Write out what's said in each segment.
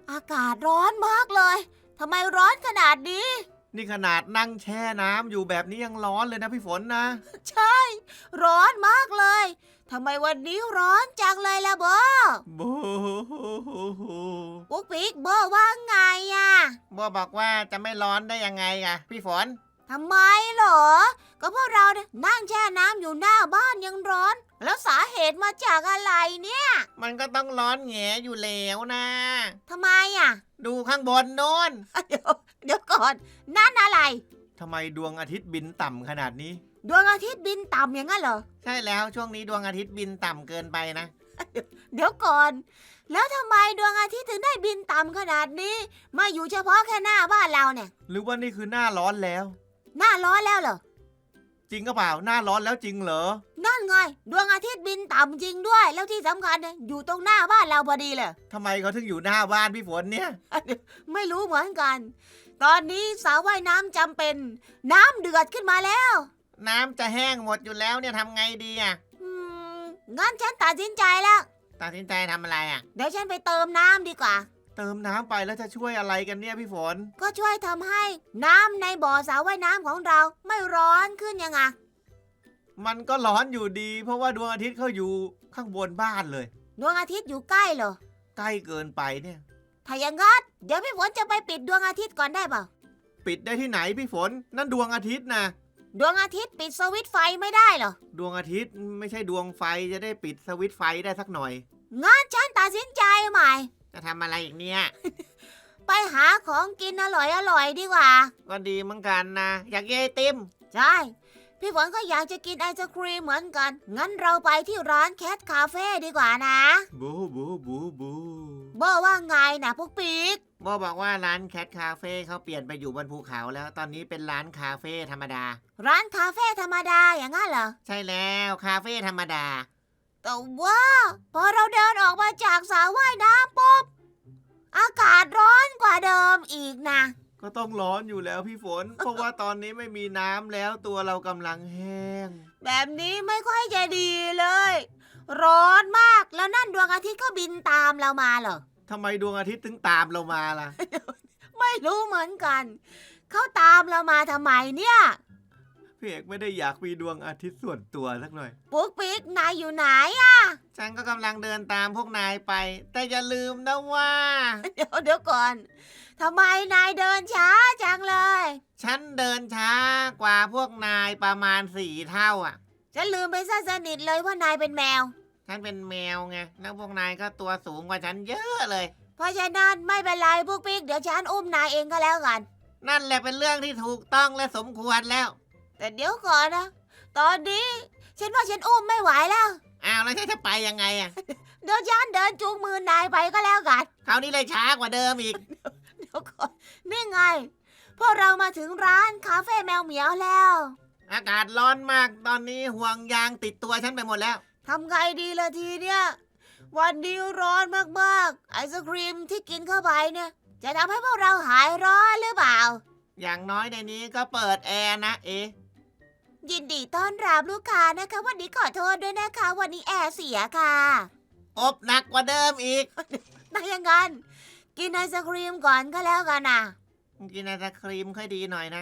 อากาศร้อนมากเลยทำไมร้อนขนาดนี้นี่ขนาดนั่งแช่น้ำอยู่แบบนี้ยังร้อนเลยนะพี่ฝนนะใช่ ร้อนมากเลยทำไมวันนี้ร้อนจังเลยล่ะโบบูปุ๊กปิ๊กโบว่าไงอะบัวบอกว่าจะไม่ร้อนได้ยังไงอะพี่ฝนทำไมเหรอ ก็พวกเราเนี่ยนั่งแช่น้ำอยู่หน้าบ้านยังร้อน แล้วสาเหตุมาจากอะไรเนี่ยมันก็ต้องร้อนแหงอยู่แล้วนะทำไมอะดูข้างบนโน้นเดี๋ยวก่อนนั่นอะไรทำไมดวงอาทิตย์บินต่ำขนาดนี้ดวงอาทิตย์บินต่ำอย่างนั้นเหรอใช่แล้วช่วงนี้ดวงอาทิตย์บินต่ำเกินไปนะเดี๋ยวก่อน แล้วทำไมดวงอาทิตย์ถึงได้บินต่ำขนาดนี้ มาอยู่เฉพาะแค่หน้าบ้านเราเนี่ยหรือว่านี่คือหน้าร้อนแล้วหน้าร้อนแล้วเหรอจริงก็เปล่าหน้าร้อนแล้วจริงเหรอนั่นไง ดวงอาทิตย์บินต่ำจริงด้วย แล้วที่สำคัญเนี่ยอยู่ตรงหน้าบ้านเราพอดีเลยทำไมเขาถึงอยู่หน้าบ้านพี่ฝนเนี่ยไม่รู้เหมือนกัน ตอนนี้สระว่ายน้ำจำเป็น น้ำเดือดขึ้นมาแล้วน้ำจะแห้งหมดอยู่แล้วเนี่ยทำไงดีอะอืมงั้นฉันตัดสินใจแล้วตัดสินใจทำอะไรอะเดี๋ยวฉันไปเติมน้ำดีกว่าเติมน้ำไปแล้วจะช่วยอะไรกันเนี่ยพี่ฝนก็ช่วยทำให้น้ำในบ่อสระว่ายน้ำของเราไม่ร้อนขึ้นยังไงมันก็ร้อนอยู่ดี เพราะว่าดวงอาทิตย์เขาอยู่ข้างบนบ้านเลยดวงอาทิตย์อยู่ใกล้เหรอใกล้เกินไปเนี่ยถ้าอย่างงั้นเดี๋ยวพี่ฝนจะไปปิดดวงอาทิตย์ก่อนได้เปล่าปิดได้ที่ไหนพี่ฝน นั่นดวงอาทิตย์นะดวงอาทิตย์ปิดสวิตช์ไฟไม่ได้เหรอดวงอาทิตย์ไม่ใช่ดวงไฟจะได้ปิดสวิตช์ไฟได้สักหน่อยงั้นฉันตัดสินใจใหม่จะทำอะไรอีกเนี่ยไปหาของกินอร่อยดีกว่าก็ดีเหมือนกันนะ อยากกินไอติมใช่ พี่ฝนก็อยากจะกินไอศครีมเหมือนกัน งั้นเราไปที่ร้านแคทคาเฟ่ดีกว่านะบูบูบูบูโบว่าไงนะพวกปิ๊กโบบอกว่าร้านแคทคาเฟ่เขาเปลี่ยนไปอยู่บนภูเขาแล้ว ตอนนี้เป็นร้านคาเฟ่ธรรมดาร้านคาเฟ่ธรรมดาอย่างนั้นเหรอใช่แล้วคาเฟ่ธรรมดาแต่ว่าพอเราเดินออกมาจากสระว่ายน้ำปุ๊บ อากาศร้อนกว่าเดิมอีกนะก็ต้องร้อนอยู่แล้วพี่ฝน เพราะว่าตอนนี้ไม่มีน้ำแล้วตัวเรากำลังแห้งแบบนี้ไม่ค่อยจะดีเลย ร้อนมากแล้วนั่นดวงอาทิตย์ก็บินตามเรามาเหรอทำไมดวงอาทิตย์ถึงตามเรามาล่ะไม่รู้เหมือนกัน เขาตามเรามาทำไมเนี่ยพี่เอกไม่ได้อยากมีดวงอาทิตย์ส่วนตัวสักหน่อยปุ๊กปิ๊กนายอยู่ไหนอะฉันก็กำลังเดินตามพวกนายไป แต่อย่าลืมนะว่าเดี๋ยวก่อนทำไมนายเดินช้าจังเลยฉันเดินช้ากว่าพวกนายประมาณ4 เท่าอ่ะฉันลืมไปซะสนิทเลยว่านายเป็นแมวฉันเป็นแมวไง แล้วพวกนายก็ตัวสูงกว่าฉันเยอะเลยเพราะฉะนั้นไม่เป็นไรปุ๊กปิ๊กเดี๋ยวฉันอุ้มนายเองก็แล้วกันนั่นแหละเป็นเรื่องที่ถูกต้องและสมควรแล้วแต่เดี๋ยวก่อนนะ ตอนนี้ฉันว่าฉันอุ้มไม่ไหวแล้วอ้าวแล้วฉันจะไปยังไงอ่ะเดี๋ยวฉันเดินจูงมือนายไปก็แล้วกันคราวนี้เลยช้ากว่าเดิมอีกเดี๋ยวก่อนนี่ไงพวกเรามาถึงร้านคาเฟ่แมวเหมียวแล้วอากาศร้อนมากตอนนี้ห่วงยางติดตัวฉันไปหมดแล้วทำไงดีล่ะทีเนี่ยวันนี้ร้อนมากๆไอศครีมที่กินเข้าไปเนี่ย จะทำให้พวกเราหายร้อนหรือเปล่าอย่างน้อยในนี้ก็เปิดแอร์นะเอ๊ะยินดีต้อนรับลูกค้านะคะ วันนี้ขอโทษด้วยนะคะ วันนี้แอร์เสียค่ะอบหนักกว่าเดิมอีกถ้าอย่างนั้นกินไอศครีมก่อนก็แล้วกันนะกินไอศครีมค่อยดีหน่อยนะ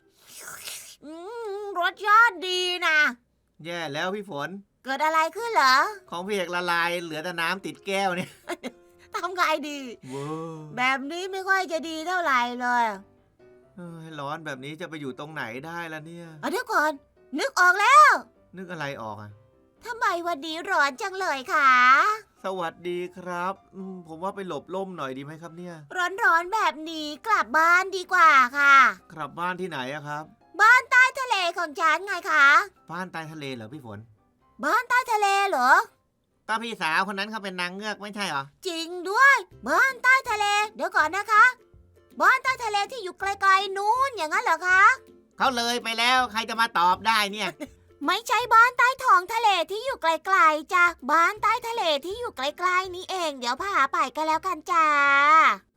รสชาติดีนะแย่แล้วพี่ฝนเกิดอะไรขึ้นเหรอของพี่เอกละลายเหลือแต่น้ำติดแก้วเนี่ยทำไงดีว้าวแบบนี้ไม่ค่อยจะดีเท่าไหร่เลยเฮ้ยร้อนแบบนี้จะไปอยู่ตรงไหนได้ล่ะเนี่ยเดี๋ยวก่อน นึกออกแล้วนึกอะไรออกอ่ะทำไมวันนี้ร้อนจังเลยคะสวัสดีครับผมว่าไปหลบร่มหน่อยดีไหมครับเนี่ยร้อนๆแบบนี้กลับบ้านดีกว่าค่ะกลับบ้านที่ไหนอะครับบ้านใต้ทะเลของฉันไงคะบ้านใต้ทะเลเหรอพี่ฝนบ้านใต้ทะเลเหรอป้าพี่สาวคนนั้นเขาเป็นนางเงือกไม่ใช่เหรอจริงด้วย บ้านใต้ทะเล เดี๋ยวก่อนนะคะ บ้านใต้ทะเลที่อยู่ไกลๆนู้นอย่างนั้นเหรอคะเขาเลยไปแล้วใครจะมาตอบได้เนี่ยไม่ใช่บ้านใต้ท้องทะเลที่อยู่ไกลๆจ้ะบ้านใต้ทะเลที่อยู่ไกลๆนี่เอง เดี๋ยวพาไปก็แล้วกันจ้า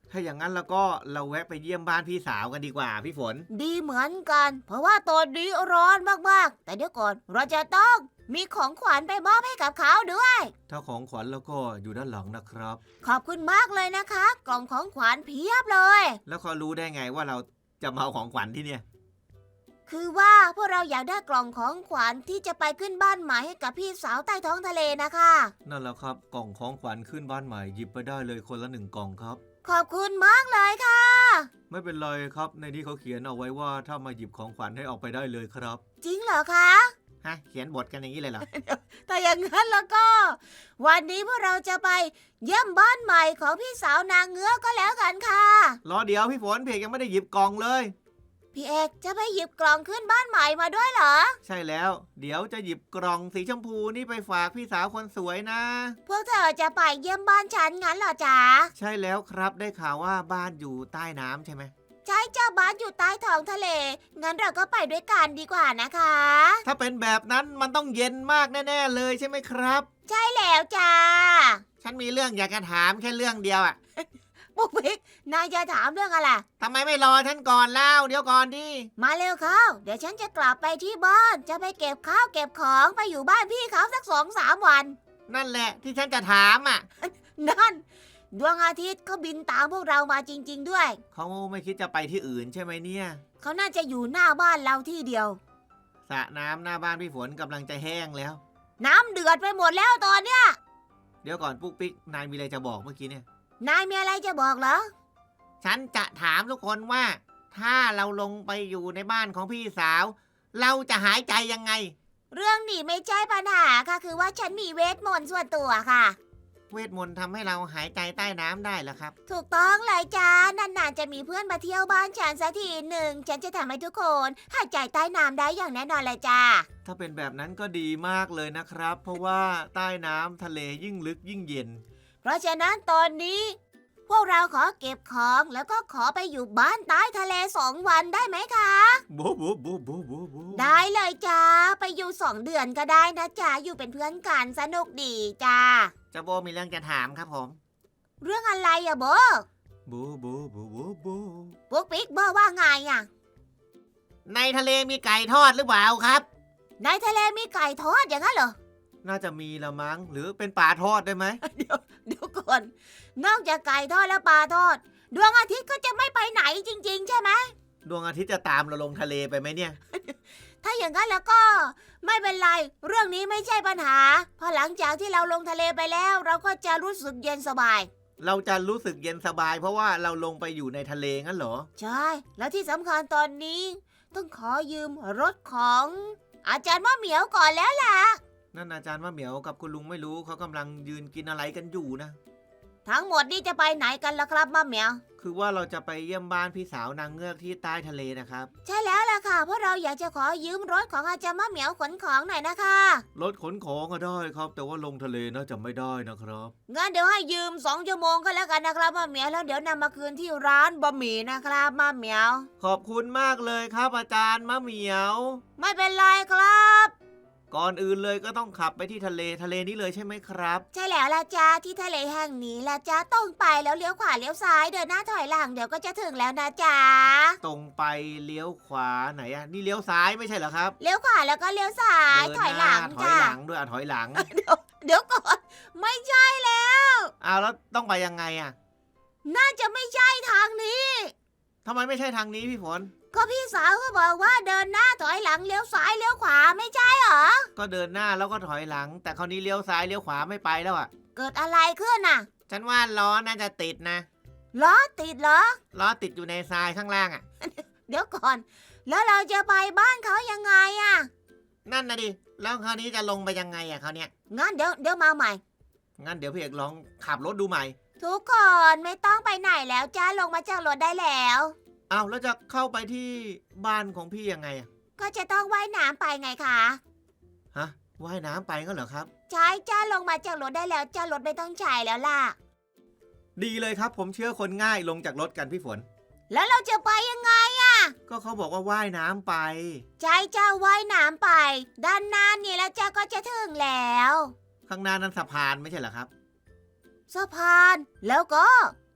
ถ้าอย่างนั้นแล้วก็เราแวะไปเยี่ยมบ้านพี่สาวกันดีกว่าพี่ฝนดีเหมือนกัน เพราะว่าตอนนี้ร้อนมากๆแต่เดี๋ยวก่อนเราจะต้องมีของขวัญไปมอบให้กับเขาด้วยถ้าของขวัญแล้วก็อยู่ด้านหลังนะครับขอบคุณมากเลยนะคะ กล่องของขวัญเพียบเลยแล้วเขารู้ได้ไงว่าเราจะมาเอาของขวัญที่เนี่ยคือว่าพวกเราอยากได้กล่องของขวัญที่จะไปขึ้นบ้านใหม่ให้กับพี่สาวใต้ท้องทะเลนะคะนั่นแหละครับกล่องของขวัญขึ้นบ้านใหม่หยิบไปได้เลยคนละ1 กล่องครับขอบคุณมากเลยค่ะไม่เป็นไรครับในที่เขาเขียนเอาไว้ว่าถ้ามาหยิบของขวัญให้ออกไปได้เลยครับจริงเหรอคะฮะเขียนบทกันอย่างนี้เลยเหรอถ้าอย่างนั้นแล้วก็ วันนี้พวกเราจะไปเยี่ยมบ้านใหม่ของพี่สาวนางเงือกก็แล้วกันค่ะรอเดี๋ยวพี่ฝนเพกยังไม่ได้หยิบกล่องเลยพี่เอกจะไปหยิบกล่องขึ้นบ้านใหม่มาด้วยเหรอใช่แล้ว เดี๋ยวจะหยิบกล่องสีชมพูนี่ไปฝากพี่สาวคนสวยนะพวกเธอจะไปเยี่ยมบ้านฉันงั้นเหรอจ๊ะใช่แล้วครับได้ข่าวว่าบ้านอยู่ใต้น้ำใช่ไหมใช่เจ้าบ้านอยู่ใต้ท้องทะเล งั้นเราก็ไปด้วยกันดีกว่านะคะถ้าเป็นแบบนั้นมันต้องเย็นมากแน่ๆเลยใช่ไหมครับใช่แล้วจ้าฉันมีเรื่องอยากจะถามแค่เรื่องเดียวอะปุ๊กปิ๊กนายจะถามเรื่องอะไรทำไมไม่รอฉันก่อนเล่าเดี๋ยวก่อนดิมาเร็วเข้า เดี๋ยวฉันจะกลับไปที่บ้าน จะไปเก็บข้าวเก็บของไปอยู่บ้านพี่เขาสัก2-3 วันนั่นแหละที่ฉันจะถามอ่ะนั่น ดวงอาทิตย์เขาบินตามพวกเรามาจริง ๆด้วยเขาไม่คิดจะไปที่อื่นใช่ไหมเนี่ยเขาน่าจะอยู่หน้าบ้านเราที่เดียวสระน้ำหน้าบ้านพี่ฝนกำลังจะแห้งแล้วน้ำเดือดไปหมดแล้วตอนเนี้ยเดี๋ยวก่อนปุ๊กปิ๊กนายมีอะไรจะบอกเมื่อกี้เนี่ยนายมีอะไรจะบอกเหรอฉันจะถามทุกคนว่า ถ้าเราลงไปอยู่ในบ้านของพี่สาว เราจะหายใจยังไงเรื่องนี้ไม่ใช่ปัญหาค่ะ คือว่าฉันมีเวทมนต์ส่วนตัวค่ะเวทมนต์ทำให้เราหายใจใต้น้ำได้เหรอครับถูกต้องเลยจ้านานๆจะมีเพื่อนมาเที่ยวบ้านฉันสักทีหนึ่ง ฉันจะทำให้ทุกคนหายใจใต้น้ำได้อย่างแน่นอนเลยจ้าถ้าเป็นแบบนั้นก็ดีมากเลยนะครับ เพราะว่าใต้น้ำทะเลยิ่งลึกยิ่งเย็นเพราะฉะนั้นตอนนี้ พวกเราขอเก็บของแล้วก็ขอไปอยู่บ้านใต้ทะเล2 วันได้ไหมคะโบโบโบโบโบโบได้เลยจ้า ไปอยู่2 เดือนก็ได้นะจ้าอยู่เป็นเพื่อนกันสนุกดีจ้าเจะโบมีเรื่องจะถามครับผมเรื่องอะไรอะโบโบโบโบโบโบปุ๊กปิ๊กโบว่าไงอะในทะเลมีไก่ทอดหรือเปล่าครับในทะเลมีไก่ทอดอย่างนั้นเหรอน่าจะมีละมั้งหรือเป็นปลาทอดได้ไหมเดี๋ยวก่อน นอกจากไก่ทอดและปลาทอด ดวงอาทิตย์ก็จะไม่ไปไหนจริงๆ ใช่ไหมดวงอาทิตย์จะตามเราลงทะเลไปไหมเนี่ยถ้าอย่างนั้นแล้วก็ ไม่เป็นไร เรื่องนี้ไม่ใช่ปัญหาเพราะหลังจากที่เราลงทะเลไปแล้ว เราก็จะรู้สึกเย็นสบายเราจะรู้สึกเย็นสบายเพราะว่าเราลงไปอยู่ในทะเลงั้นเหรอใช่ แล้วที่สำคัญตอนนี้ ต้องขอยืมรถของ อาจารย์มะเหมียวก่อนแล้วล่ะนั่นอาจารย์มะเหมียวกับคุณลุงไม่รู้เขากำลังยืนกินอะไรกันอยู่นะทั้งหมดนี่จะไปไหนกันล่ะครับมะเหมียวคือว่าเราจะไปเยี่ยมบ้านพี่สาวนางเงือกที่ใต้ทะเลนะครับใช่แล้วล่ะค่ะ เพราะเราอยากจะขอยืมรถของอาจารย์มะเหมียวขนของหน่อยนะคะรถขนของก็ได้ครับ แต่ว่าลงทะเลน่าจะไม่ได้นะครับงั้นเดี๋ยวให้ยืม2 ชั่วโมงก็แล้วกันนะครับมะเหมียวแล้วเดี๋ยวนำมาคืนที่ร้านบะหมี่นะครับมะเหมียวขอบคุณมากเลยครับอาจารย์มะเหมียวไม่เป็นไรครับก่อนอื่นเลยก็ต้องขับไปที่ทะเลนี้เลยใช่ไหมครับใช่แล้วล่ะจ้าที่ทะเลแห่งนี้ล่ะจ้าตรงไปแล้วเลี้ยวขวาเลี้ยวซ้ายเดินหน้าถอยหลังเดี๋ยวก็จะถึงแล้วนะจ้าตรงไปเลี้ยวขวาไหนอะนี่เลี้ยวซ้ายไม่ใช่เหรอครับเลี้ยวขวาแล้วก็เลี้ยวซ้ายเดินถอยหลังน้าถอยจ้าหลังด้วยถอยหลังเดี๋ยวก่อนไม่ใช่แล้วอ้าวแล้วต้องไปยังไงอะน่าจะไม่ใช่ทางนี้ทำไมไม่ใช่ทางนี้พี่ฝนก็พี่สาวก็บอกว่าเดินหน้าถอยหลังเลี้ยวซ้ายเลี้ยวขวาไม่ใช่เหรอก็เดินหน้าแล้วก็ถอยหลัง แต่คราวนี้เลี้ยวซ้ายเลี้ยวขวาไม่ไปแล้วอะเกิดอะไรขึ้นน่ะฉันว่าล้อน่าจะติดนะล้อติดเหรอล้อติดอยู่ในทรายข้างล่างอะเดี๋ยวก่อน แล้วเราจะไปบ้านเขายังไงอะนั่นนะดิแล้วคราวนี้จะลงไปยังไงอะคราวเนี้ยงั้นเดี๋ยวมาใหม่งั้นเดี๋ยวพี่เอกลองขับรถดูใหม่ทุกคนไม่ต้องไปไหนแล้วจ้าลงมาจากรถได้แล้วอ้าวแล้วจะเข้าไปที่บ้านของพี่ยังไงอะก็จะต้องว่ายน้ำไปไงคะฮะว่ายน้ำไปงั้นเหรอครับใช่จ้าลงมาจากรถได้แล้วจ้ารถไม่ต้องใช้แล้วล่ะดีเลยครับ ผมเชื่อคนง่ายลงจากรถกันพี่ฝนแล้วเราจะไปยังไงก็เขาบอกว่าว่ายน้ำไปใช่จ้าว่ายน้ำไป ด้านหน้านี่แล้วจ้าก็จะถึงแล้วข้างหน้านั้นสะพานไม่ใช่เหรอครับสะพานแล้วก็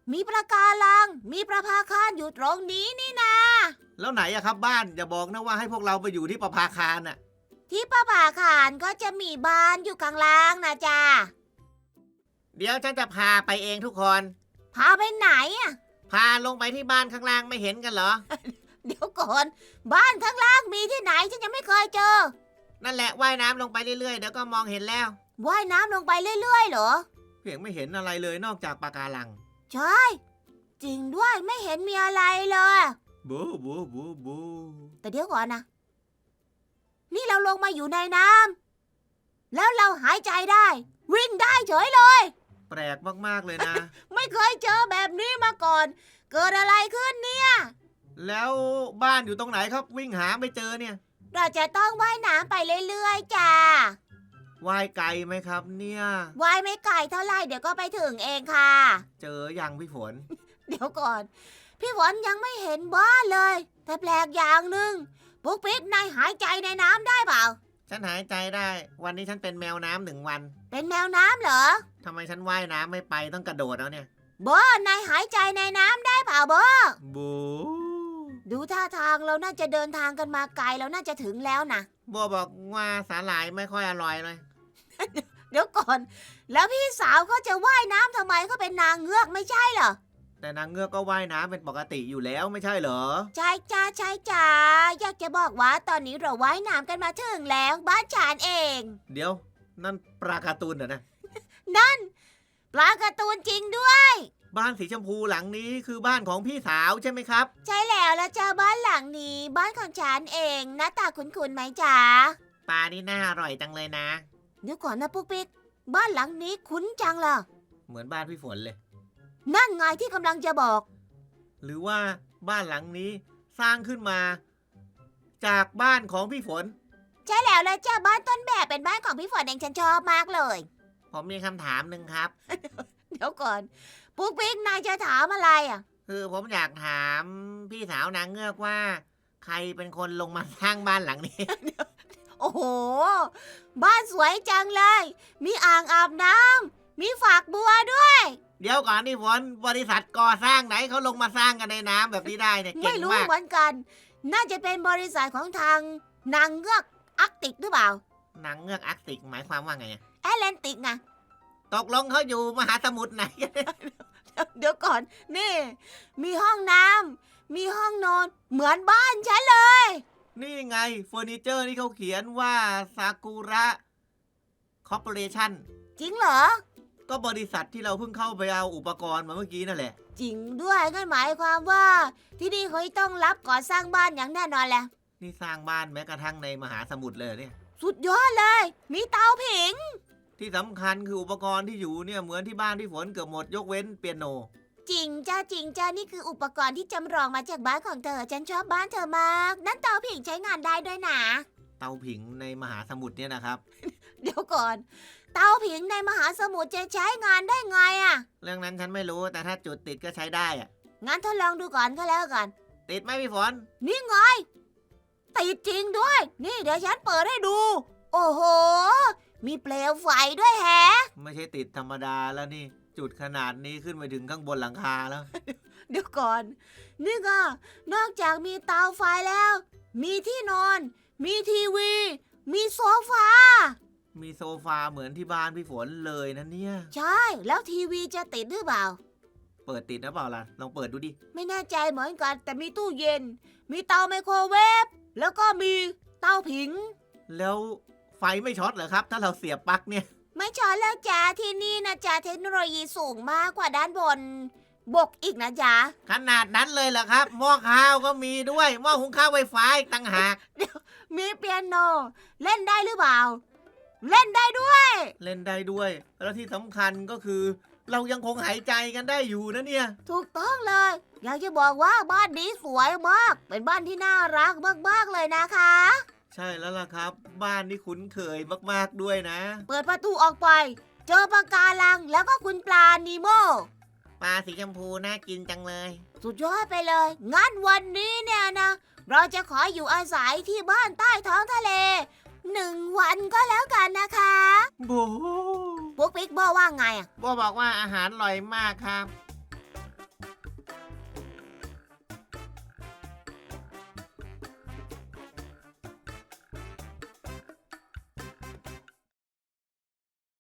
มีปะการัง มีประภาคารอยู่ตรงนี้นี่นาแล้วไหนอะครับบ้านอย่าบอกนะว่าให้พวกเราไปอยู่ที่ประภาคารน่ะที่ประภาคารก็จะมีบ้านอยู่ข้างล่างนะจ๊ะเดี๋ยวฉันจะพาไปเองทุกคนพาไปไหนอ่ะพาลงไปที่บ้านข้างล่างไม่เห็นกันเหรอเดี๋ยวก่อน บ้านข้างล่างมีที่ไหนฉันยังไม่เคยเจอนั่นแหละว่ายน้ำลงไปเรื่อยๆเดี๋ยวก็มองเห็นแล้วว่ายน้ำลงไปเรื่อยๆเหรอเพียงไม่เห็นอะไรเลยนอกจากปะการังใช่ จริงด้วยไม่เห็นมีอะไรเลยบูบูบูบูแต่เดี๋ยวก่อนนะ นี่เราลงมาอยู่ในน้ำแล้วเราหายใจได้ วิ่งได้เฉยเลยแปลกมากๆเลยนะไม่เคยเจอแบบนี้มาก่อน เกิดอะไรขึ้นเนี่ยแล้วบ้านอยู่ตรงไหนครับวิ่งหาไม่เจอเนี่ยเราจะต้องว่ายน้ำไปเรื่อยๆจ้าว่ายไกลไหมครับเนี่ยว่ายไม่ไกลเท่าไหร่เดี๋ยวก็ไปถึงเองค่ะเจอยังพี่ฝนเดี๋ยวก่อน พี่ฝนยังไม่เห็นบ้านเลย แต่แปลกอย่างหนึ่งปุ๊กปิ๊กนายหายใจในน้ำได้เปล่าฉันหายใจได้ วันนี้ฉันเป็นแมวน้ำ1 วันเป็นแมวน้ำเหรอทำไมฉันว่ายน้ำไม่ไปต้องกระโดดแล้วเนี่ยโบนายหายใจในน้ำได้เปล่าโบบูดูท่าทางเราน่าจะเดินทางกันมาไกลแล้วน่าจะถึงแล้วนะบัวบอกว่าสาหร่ายไม่ค่อยอร่อยเลยเดี๋ยวก่อน แล้วพี่สาวเขาจะว่ายน้ำทำไมเขาเป็นนางเงือกไม่ใช่เหรอแต่นางเงือกก็ว่ายน้ำเป็นปกติอยู่แล้วไม่ใช่เหรอใช่จ้าใช่จ้าอยากจะบอกว่าตอนนี้เราว่ายน้ำกันมาถึงแล้วบ้านฉันเองเดี๋ยวนั่นปลาการ์ตูนเหรอนะนั่นปลาการ์ตูนจริงด้วยบ้านสีชมพูหลังนี้คือบ้านของพี่สาวใช่ไหมครับใช่แล้วละจ้าบ้านหลังนี้บ้านของฉันเองหน้าตาคุ้นๆไหมจ๊ะปลานี่น่าอร่อยจังเลยนะเดี๋ยวก่อนนะปุ๊กปิ๊กบ้านหลังนี้คุ้นจังล่ะเหมือนบ้านพี่ฝนเลยนั่นไงที่กำลังจะบอกหรือว่าบ้านหลังนี้สร้างขึ้นมา จากบ้านของพี่ฝนใช่แล้วละจ้าบ้านต้นแบบเป็นบ้านของพี่ฝนเองฉันชอบมากเลยผมมีคำถามหนึ่งครับเดี๋ยวก่อนปุ๊กปิ๊กนายจะถามอะไรอ่ะคือผมอยากถามพี่สาวนางเงือกว่า ใครเป็นคนลงมาสร้างบ้านหลังนี้โอ้โห บ้านสวยจังเลย มีอ่างอาบน้ำมีฝักบัวด้วยเดี๋ยวก่อนนี่ฝนบริษัทก่อสร้างไหนเขาลงมาสร้างกันในน้ำแบบนี้ได้เนี่ยเก่ไม่งรู้มากเหมือนกัน น่าจะเป็นบริษัทของทางนางเงือกอาร์กติกหรือเปล่านางเงือกอาร์กติกหมายความว่าไงอะแอตแลนติกไงตกลงเขาอยู่มหาสมุทรไหนเดี๋ยวก่อน นี่ มีห้องน้ำมีห้องนอน เหมือนบ้านฉันเลยนี่ไงเฟอร์นิเจอร์ที่เขาเขียนว่าซากุระคอร์ปอเรชั่นจริงเหรอก็บริษัทที่เราเพิ่งเข้าไปเอาอุปกรณ์มาเมื่อกี้นั่นแหละจริงด้วยงั้นหมายความว่า ที่นี่เขาต้องรับก่อสร้างบ้านอย่างแน่นอนแหละนี่สร้างบ้านแม้กระทั่งในมหาสมุทรเลยเนี่ยสุดยอดเลย มีเตาผิงที่สำคัญคืออุปกรณ์ที่อยู่เนี่ยเหมือนที่บ้านที่ฝนเกือบหมดยกเว้นเปียโนจริงจ้าจริงจ้านี่คืออุปกรณ์ที่จำลองมาจากบ้านของเธอ ฉันชอบบ้านเธอมาก นั่นเตาผิงใช้งานได้ด้วยนะเตาผิงในมหาสมุทรเนี่ยนะครับเดี๋ยวก่อน เตาผิงในมหาสมุทรจะใช้งานได้ไงอะเรื่องนั้นฉันไม่รู้แต่ถ้าจุดติดก็ใช้ได้อะงั้นทดลองดูก่อนก็แล้วกันติดไหมพี่ฝนนี่ไง ติดจริงด้วย นี่เดี๋ยวฉันเปิดให้ดู โอ้โห มีเปลวไฟด้วยแฮะไม่ใช่ติดธรรมดาแล้วนี่ จุดขนาดนี้ขึ้นไปถึงข้างบนหลังคาแล้วเดี๋ยวก่อน นี่ก็นอกจากมีเตาไฟแล้ว มีที่นอน มีทีวี มีโซฟามีโซฟาเหมือนที่บ้านพี่ฝนเลยนะเนี่ยใช่ แล้วทีวีจะติดหรือเปล่าเปิดติดนะเปล่าล่ะลองเปิดดูดิไม่แน่ใจเหมือนกัน แต่มีตู้เย็น มีเตาไมโครเวฟ แล้วก็มีเตาผิงแล้วไฟไม่ช็อตเหรอครับ ถ้าเราเสียบปลั๊กเนี่ยไม่ช้อนแล้วจ้าที่นี่นะจ้าเทคโนโลยีสูงมากกว่าด้านบน บกอีกนะจ๊ะขนาดนั้นเลยเหรอครับหม้อข้าวก็มีด้วยหม้อหุงข้าวไฟฟ้าอีกต่างหากมีเปียโน เล่นได้หรือเปล่า เล่นได้ด้วยเล่นได้ด้วย แล้วที่สำคัญก็คือ เรายังคงหายใจกันได้อยู่นะเนี่ยถูกต้องเลย อยากจะบอกว่าบ้านนี้สวยมาก เป็นบ้านที่น่ารักมากๆเลยนะคะใช่แล้วล่ะครับ บ้านนี่คุ้นเคยมากๆด้วยนะเปิดประตูออกไป เจอปะการังแล้วก็คุณปลานีโมปลาสีชมพูน่ากินจังเลยสุดยอดไปเลย งั้นวันนี้เนี่ยนะ เราจะขออยู่อาศัยที่บ้านใต้ท้องทะเล 1 วันก็แล้วกันนะคะโบปุ๊กปิ๊กบอกว่าไงอ่ะบอกว่าอาหารอร่อยมากครับ